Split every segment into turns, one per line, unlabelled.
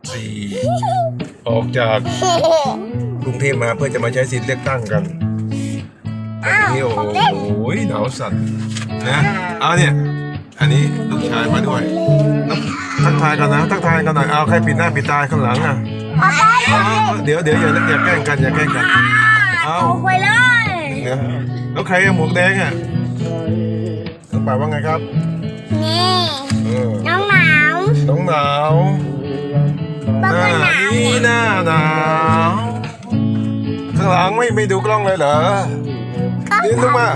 ออกจากกรุงเทพมาเพื่อจะมาใช้สิทธิ์เลือกตั้งกันนี่โอ้โหหนาวสั่นนะเอาเนี่ยอันนี้ลูกชายมาด้วยทักทายกันนะทักทายกันหน่อยเอาใครปิดหน้าปิดตาข้างหลังอ่ะเดี๋ยวอย่าแกล้งกันอย่าแกล้งกันเอา
ไปเลย
เนี่ยแล้วใครหมวกแดงอ่ะน้องป่าว่าไงครับ
นี่น้องหนาว
น้องหนาวหน้าหนาวข้างหลังไม่ดูกล้องเลยเหรอนี่ลงมา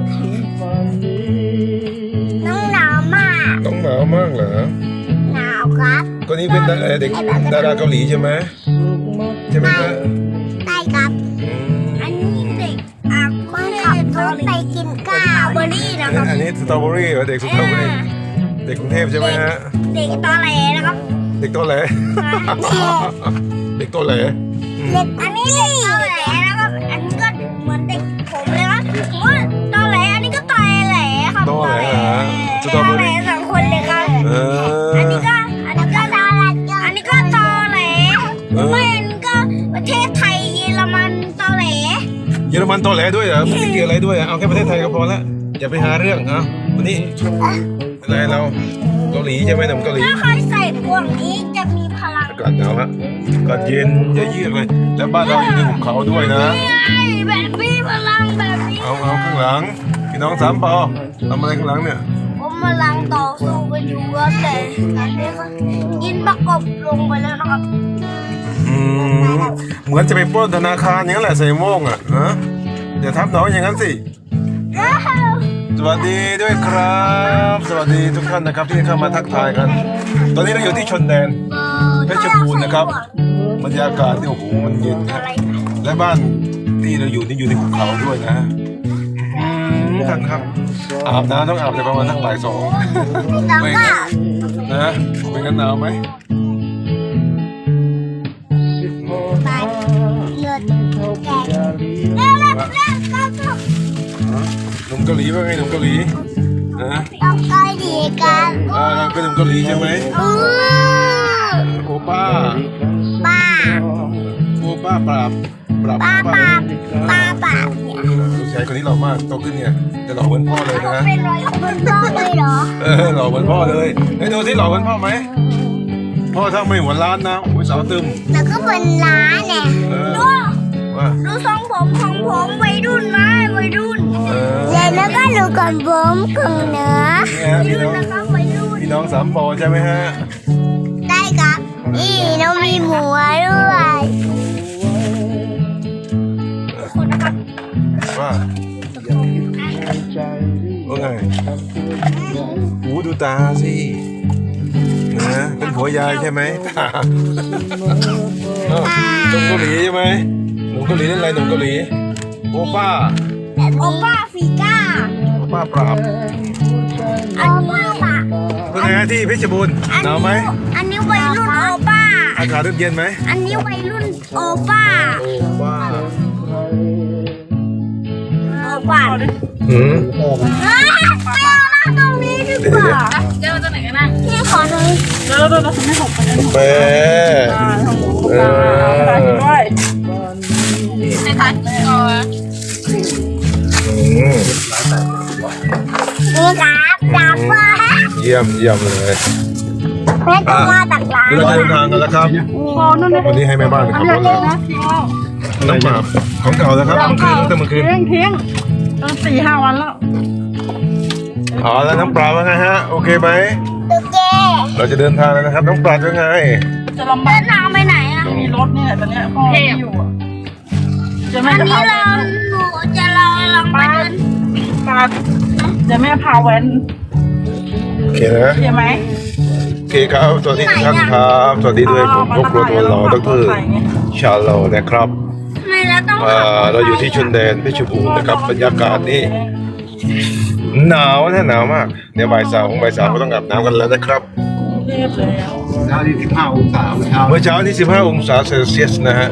น้องหนาวมาก
น้องหนาวมากเหรอ
หนาวครับ
คนนี้เป็นเด็กดาราเกาหลีใช่ไหมครับ
ใช่ครับอันนี้เด็กคนขับรถไปกินข้าวเบอร์รี่นะครับ
อันนี้สตรอเบอรี่เหรอเด็กสตรอเบอรี่เด็กกรุงเทพใช่ไหมฮะ
เด็กตอแหลนะครับ
เด็กตอแหลเด็กตอแหล
อันนี้เด็กตอแหลนะครับอันนี้ก็เหมือนเด็กผมเลยครับว่าตอแหลอันนี้ก็ตอแหลครับ
ตอแหล
สตรอเบอรี่สองคนเลยครับอันนี้ก็ตอแหลอันนี้ก็ตอแหลไม่อันนี้ก็ประเทศไทยเยอรมันตอแหล
เยอรมันตอแหลด้วยเหรอไม่เกี่ยวอะไรด้วยเอาแค่ประเทศไทยก็พอละอย่าไปหาเรื่องอ่ะวันนี้อะไรเราเกาหลีใช่ไหมหนุ่มเกาหลี
ถ้าใครใส่พวกนี้จะมีพลัง
อากาศหนาวฮะอากาศเย็นเยือกเลยแล้วบ้านเราอยู่ในหุบเขาด้วยนะ
แบบมีพลังแบบนี้
เอาข้างหลังพี่น้องสามปอทำอะไรข้างหลังเนี่ย
ผมกำลังต่อสู้กันอยู่แต่ตอนนี้ก็ยินประกบลงไปแล้วนะครับ
เหมือนจะไปปล้นธนาคารอย่างนั้นแหละใส่โม่งอ่ะนะอย่าทับน้องอย่างนั้นสิสวัสดีด้วยครับสวัสดีทุกท่านนะครับที่เข้ามาทักทายกันตอนนี้เราอยู่ที่ชนแดนเพชรบูรณ์นะครับบรรยากาศที่โอ้โหมันเย็นนะและบ้านที่เราอยู่นี่อยู่ในภูเขาด้วยนะท่านครับอาบน้ำต้องอาบในประมาณสักบ่ายสองไม่งั้นนะไม่งั้นหนาวไหมหนุ่มเกาหลีว่าไงหนุ่มเกาหลีนะ
ต้องเกาหลีกัน
เราเป็นหนุ่มเกาหลีใช่ไหมโอป้าโอป้าปราบลูกชายคนนี้หล่อมากโตขึ้นเนี่ยจะหล่อเหมือนพ่อเลยนะ
เป็นหล่อเหมือนพ่อเลยเหรอ
หล่อเหมือนพ่อเลยให้ดูที่หล่อเหมือนพ่อไหมพ่อถ้าไม่หัวล้านนะโอ้ยสาวตึม
แล้วก็เป็นล้านเนี่ยดูทรงผมของผมวัยรุ่นไหมวัยรุ่นแล้วก็ดูก่อนผมกึ่งเหนือ
พี่น้องสามปอใช่ไหมฮะ
ได้ครับนี่น้องมีหมูด้วย
ว่าไงหูดูตาสินะเป็นผัวยายใช่ไหมหนุ่มเกาหลีใช่ไหมหนุ่มเกาหลีเล่นอะไรหนุ่มเกาหลีโอป้า
ฟีก้า
โอป้าปราบเป็นไงที่เพชรบูรณ์หนาวไหม
อันนี้วัยรุ่นโอป้า
อากาศเย็นไหม
อันนี้วัยรุ่นโอป้าไม่เอานั่งตรงนี้ดีกว่า
เจอตัวไหนกันนะ
พี่ขอหน่อย
เราไม่หกไป
แป
ด้วยในทันก่อน
นี่ครับจับว่า
เยี่ยมเลย
แม่จะมาตักร้าน
เราจะเดินทางกันแล้วครับวันนี้ให้แม่บ้านขับรถเลยน้ำปลาของเก่าแล้วครับเมื่อคืน
ทิ้ง4-5 วันแล้ว
แล้วน้ำปลาว่าไงฮะโอเคไหม
โอเค
เราจะเดินทางแล้วนะครับน้ำปลาเป็นไง
จะลำบาก
เดินทางไปไหนอ่ะ
มีรถเนี่ยตอนนี้พ่ออยู่
อันนี้หนูจะลองไปเดิน
จะแม่พาแว้น
โอเคนะ
ใช่ไหม
โอเคครับสวัสดีทุกท่านครับสวัสดีด้วยผมพวกเราตัวหล่อดร.ชาโลนะครับเราอยู่ที่ชนแดนเพชรบูรณ์นะครับบรรยากาศนี่หนาวนะหนาวมากเดี๋ยวบ่ายสามก็ต้องอาบน้ำกันแล้วนะครับ
เช้าที่15 องศา
เมื่อเช้าที่15 องศาเซลเซียสนะฮะ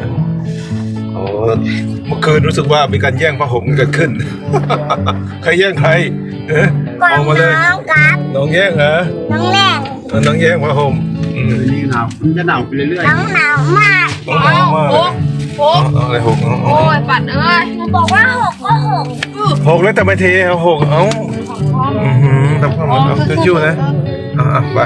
เมื่อคืนรู้สึกว่ามีการแย่งผ้าห่มกันเกิดขึ้นใครแย่งใคร
ออกมาเลย
น้องแย่งเหรอ
น้องแย่ง
ผ้าห่ม
หนาวมันจะหนาวไปเรื่อย
น้องหนาวมาก
ต้องหนาวมากเลยอะไรหก
โอ้ยปัดเอ้ย
หนูบอกว่าหกก็หก
หกแล้วแต่ไม่เทเอาหกเอ้าทำความมันชิวๆนะไป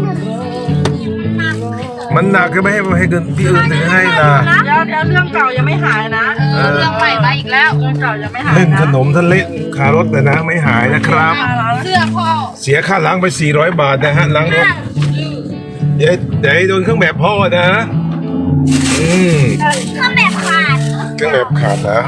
มันหนักก็ไม่ให้เกินพี่อื่นถึงให้นะ
เดี๋ยวเรื่องเก่ายังไม่หายนะเรื่องใหม่มาอีกแล้วเรื่องเก่ายังไม่หาย
เล่นขนมทะเลคารถเลยนะไม่หายนะครับ
เสื้อพ่อ
เสียค่าล้างไป400 บาทนะฮะล้างรถเดี๋ยวโดนเครื่องแบบพ่อนะ
เครื่องแบบขาด
เครื่องแบบขาดนะ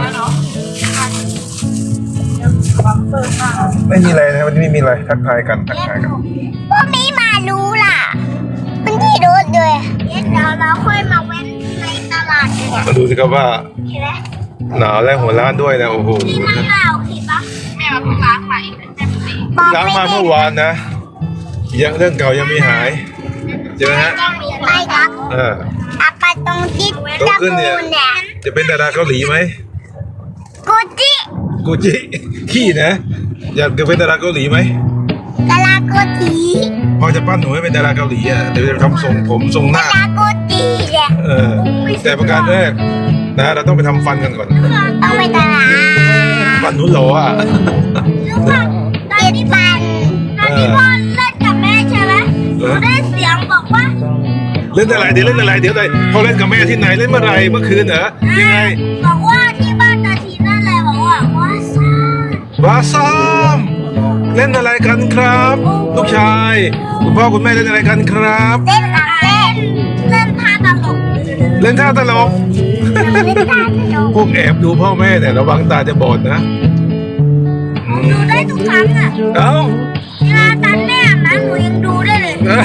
ไม่มีอะไรนะวันนี้ไม่มีอะไรทักทายกัน
พวกนี้มารู้ล่ะมันที่รถเลยเดี๋ยวเราค่อยมาเว้นในตลาดดีกว่า
มาดูสิครับว่า
เห็นไหม
หนาวและหัวล้านด้วยนะโอ้โห
ที่มันหนาวเห็นปะ
แม่มาเพิ่งล้างใหม่
ล้างมาเมื่อวานนะยังเรื่องเก่ายังไม่หายใช่ไหมฮะ
ไปครับ อาปาตรงที่
โตขึ้นเนี่ยจะเป็นดาราเกาหลีไหม
กูจิ
กูจิขี้นะอยากจะเป็นดาราเกาหลีไหม
กะลาโกจิ
พ่อจะปั้นหนูให้เป็นดาราเกาหลีอ่ะเดี๋ยวจะทำทรงผมทรงห
กะ
น้า
ลาโกจิเนี่ย
แต่ประการแรกนะเราต้องไปทำฟันกันก่อน
ต้องไปตลาด
ฟันหนูหล่ออ่ะ
รู้ป่ะตอนที่พ่อเล่นกับแม่ใช่ไหมหนูได้เสียงบอกว่า
เล่นอะไรเดี๋ยวเขาเล่นกับแม่ที่ไหนเล่นเมื่อไหรเมื่อคืนเหรอยังไง
บอกว่าที่บ้านตาทีนั่นแหละบอกว่าซ่า
บาซามเล่นอะไรกันครับลูกชายคุณพ่อคุณแม่เล่นอะไรกันครับ
เล่นกับเล่นท่าตลก
เล่นท่าตลก
เล่นท่าตลก
พวกแอบดูพ่อแม่เนี่ยระวังตาจะบอดนะ
ดูได้ทุกครั้งอ่ะ
เอ้า
เวลาตอนแม่อาบน้ำหนูยังดูได้เลย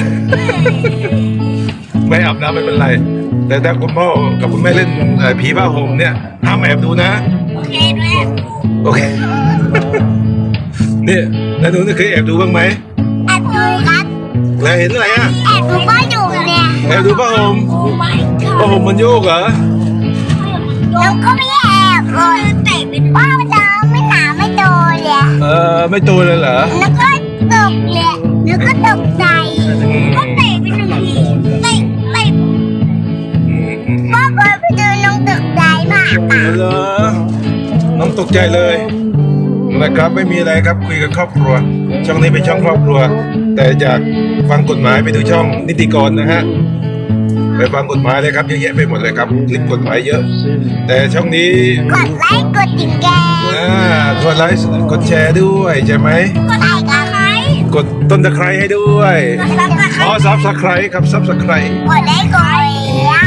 ไม่อาบน้ำไม่เป็นไร แต่ถ้าคุณพ่อกับคุณแม่เล่นผีผ้าห่มเนี่ยห้ามแอบดูนะ
โอเคด้วย
โอเค เนี่ยแล้วหนูเคยแอบดูบ้างไหม
แอบดูครับ
แล้วเห็นอะไรอ่ะ
แอบดูก็อยู่เนี่ย
แอบดูผ้าห่ม
โอ้ my
ผ้าห่มมันโยกเหรอ
แล้วก็ไม่แอบเลยเตะเป็นว่าจะไม่หนาไม่โดนเลย
ไม่ตัวเลยเหรอ
แล้วก็ตกเลยแล้วก็ตกใจก็เตะไปหนึ่งทีเตะพ่อเคยไปดูน้องตกใจมากอ่ะ
เหรอน้องตกใจเลยนะครับไม่มีอะไรครับคุยกับครอบครัว ช่องนี้เป็นช่องครอบครัว แต่อยากฟังกฎหมายไปดูช่องนิติกรนะฮะไปฟังกฎหมายเลยครับเยอะแยะไปหมดเลยครับคลิปกฎหมายเยอะ แต่ช่องนี้
กดไลค์กดติดแก
กดไลค์กดแชร์ด้วยใช่ไหม
กดไลค์กับใคร
กดต้นตะไคร้ให้ด้วย
กดซับสไคร
อ๋อซับสไครครับซับสไคร
กดไลค์กดอ่ะ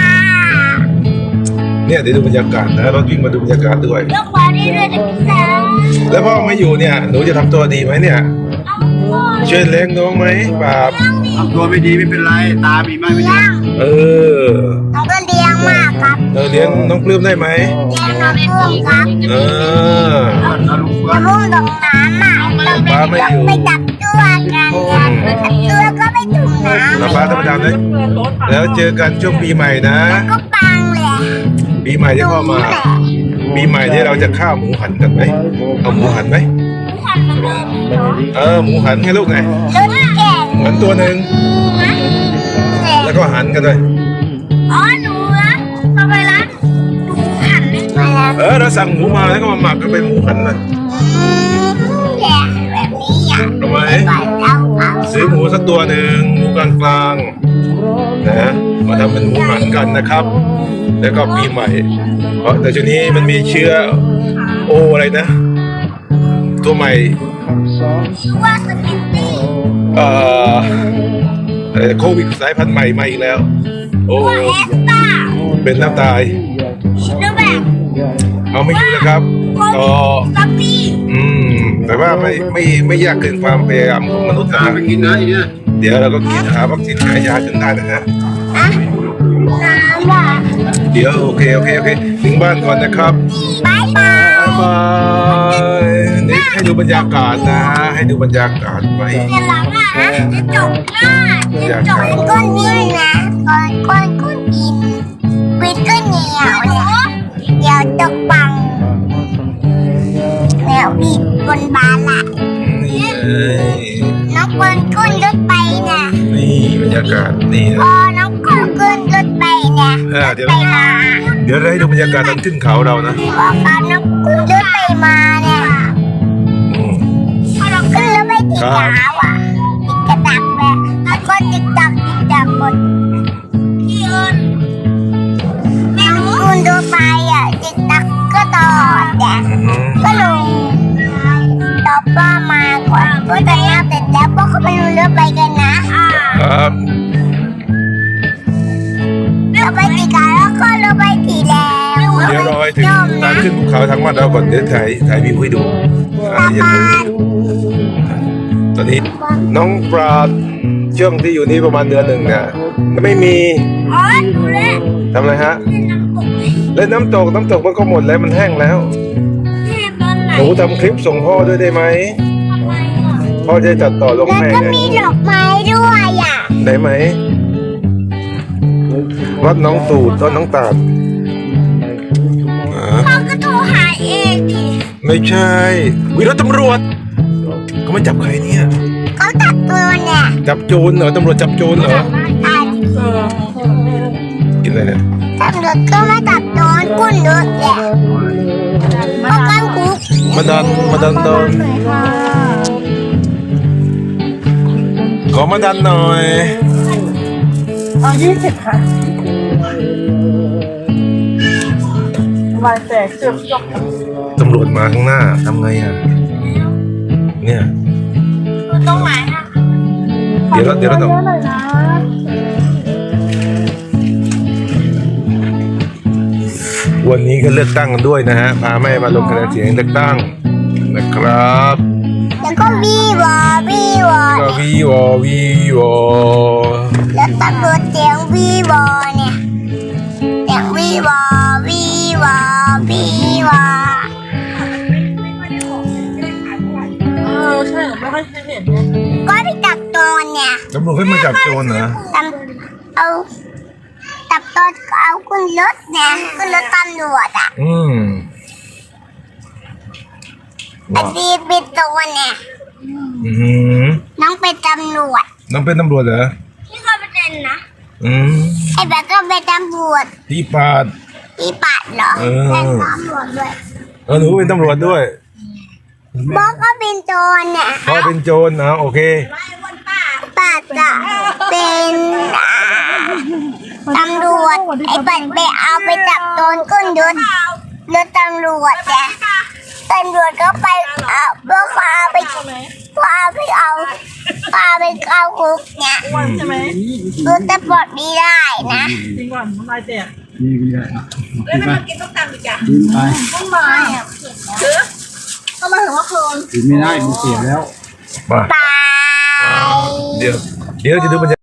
เนี่ยเดี๋ยวดูบรรยากาศนะรถวิ่งมาดูบรรยากาศด้วย
ยกมาได้ด้วยนะพี่สาว
แล้วพ่อไม่อยู่เนี่ยหนูจะทำตัวดีไหมเนี่ย
น้องพ่อ
ช่วยเลี้ยงน้องไหมปราบ
ๆทำตัวไม่ดีไม่เป็นไรตามีมากไม่ดี
เลี้ยง
เออ
น้องก็เลี้ยงมากครับ
เลี้ยงน้องปลื้มได้ไหม
เลี้ยงน้องเพิ่มครับ
เออ
แล้วลุงเพื่อ
แล้
น
วพุ่งตรงน้ำอ่ะต้องไปจับตัวกันจับตัวก็ไปถุงน้ำ
เราป้าธรรมดาเลยแล้วเจอกันช่วงปีใหม่นะ
ก็ปังเลย
ปีใหม่ที่พ่อมา ปีใหม่ที่เราจะฆ่าหมูหันกันไหมเอาหมูหันไหมหมูหันให้ลูกไง
รถแข่ง
หันตัวหนึ่งแล้วก็หันกันเลย
อ๋อหนูนะพอไปร้านหนูหันไม่มาแล้ว
เราสั่งหมูมาแล้วก็มาหมักก็เป็นหมูหันเลย
แข่งแบบนี้อ่ะ
ทำไม
ปล่อยเอา
ซื้อหมูสักตัวหนึ่งหมูกลางๆนะมาทำเป็นหมูหันกันนะครับ แล้วก็ปีใหม่ เพราะแต่ช่วงนี้มันมีเชื้อโออะไรนะ ตัวใหม่
ชื่อว่าสกิตตี้
โควิดสายพันธุ์ใหม่มาอีกแล้ว โอ้
ว่าเอสตา
เป็นน้ำตาย
ชิโนแบก
เอาไม่อยู่นะครับก็
ซัปปี้
แต่ว่าไม่ยากเกินความพยายามของมนุษย์นะ
ตาไปกินนะไอ้เนี่ย
เดี๋ยวเราก็กินหาวัคซีนหายาจนได้นะฮะ
อะน้ำว่ะ
เดี๋ยวโอเคถึงบ้านก่อนนะครับ
บายบาย
บ๊ายบายนี่ให้ดูบรรยากาศนะ ให้ดูบรรยากาศไว้
เดี๋ยวหลังอ่ะจะจบหน้าจะจบก้นดินนะก้นดินวิดก็เหนียวเนี่ยเดี๋ยวตกบังแล้วบีบบนบานละ
นี่เลย
น้องคนขึ้นรถไปนะ
นี่บรรยากาศนี่
พอน้องคน
เดี๋ยว
ไปมา
เดี๋ยวเราให้ดูบรรยากาศตอนขึ้นเขาเรานะ
พอการนกขึ้นรถไปมาเนี่ยพอเราขึ้นรถไปติดขาวอ่ะติดกระดักแบบแล้วก็ติดดักหมดพี่เอิญน้องคุณดูไปอ่ะติดดักก็ต่อแต่ก็ลงต่อป้ามาก่อนก็จะนับเสร็จแล้วพวกเขาไปดูรถไปกันนะครับ เราไปติดกันแล้วก็เราไปตีแล้ว
เดี๋ยวรอให้ถึงทางขึ้นภูเขาทั้งวันเราก่อนเดี๋ยวถ่ายวิวให้ดูอย่าลืมตอนนี้น้องปราดช่วงที่อยู่นี่ประมาณเดือนหนึ่งเนี่ยไม่มี
อ๋อดูแล
ทำอะไรฮะ
เล่นน้ำตก
เล่นน้ำตกมันก็หมดแล้วมันแห้งแล้ว
เล่นตอนไหน
หนูทำคลิปส่งพ่อด้วยได้ไหม
ทำไมอ่ะ
พ่อจะตัดต่อลง
แล้ว
ให้
ก็
ไง
มีดอกไม้ด้วยอ่ะ
ได้ไหมวัดน้องตูดต้นน้องตาด
พ่อก็โทรหาเองดิ
ไม่ใช่วิรถตำรวจเขาไม่จับใครเนี่ย
เขาตัดตัวเนี่ย
จับโจรเหรอตำรวจจับโจรเหรอ
ตัด
กินอะไรเนี่ย
ตำรวจก็มาตัดโดนกุ้นรถแหละเพราะกันคุก
มาดันโดนขอมาดันหน่อย
เอา20 ค่ะวายแตกเจ็บจบ
ตำรวจมาข้างหน้าทำไงอ่ะเนี่ย
ตรงไหนอ่ะ
เดี๋ยวเรา
เยอะหน่อยนะ
วันนี้ก็เลือกตั้งกันด้วยนะฮะพาแม่มาลงคะแนนเสียงเลือกตั้งนะครับ
แล้วก็วีวอ
ก็วีวอ
แล้วตำรวจเสียงวีวอเนี่ยเสียงวีวอ
ใช่ไม่ค่อยเห็นเนี่ย
ก็ไปจับโจรเนี่ย
ตำรวจให้มาจับโจรเหรอ
เอาจับโจรเอาขึ้นรถเนี่ยขึ้นรถตำรวจอ่ะ ไอ้ดีเป็นตัวเนี่ย
อืม
น้องเป็นตำรวจ
น้องเป็นตำรวจเหรอ
นี่เขาเป็นนะ
อืม
ไอ้แบบก็เป็นตำรวจ
พี่ปาด
พี่ปัดเหรอ
เออ
เป็นตำรวจด้วย
หนูเป็นตำรวจด้วย
บอกก็เป็นโจรเนี่ย
พ่อเป็นโจรนะโอเค
ปัดจะเป็นตำรวจไอ้ปัดไปเอาไปจับโจรขึ้นรถตำรวจแต่ตำรวจก็ไปเอาพวกพาไปเอาคุกเนี่ย
วันใช่ไหม
รถตำรวจไม่ได้นะ
จริงก่อนน้ำลายแตก
นี่ก็ได้อ่ะกินไปกินไป
ต้นไม้อ่ะถือทำไมถึงว่าเคิน
กินไม่ได้มันเสียแล้ว
มา
ตาย
เดี๋ยวจะดูบรรยากาศ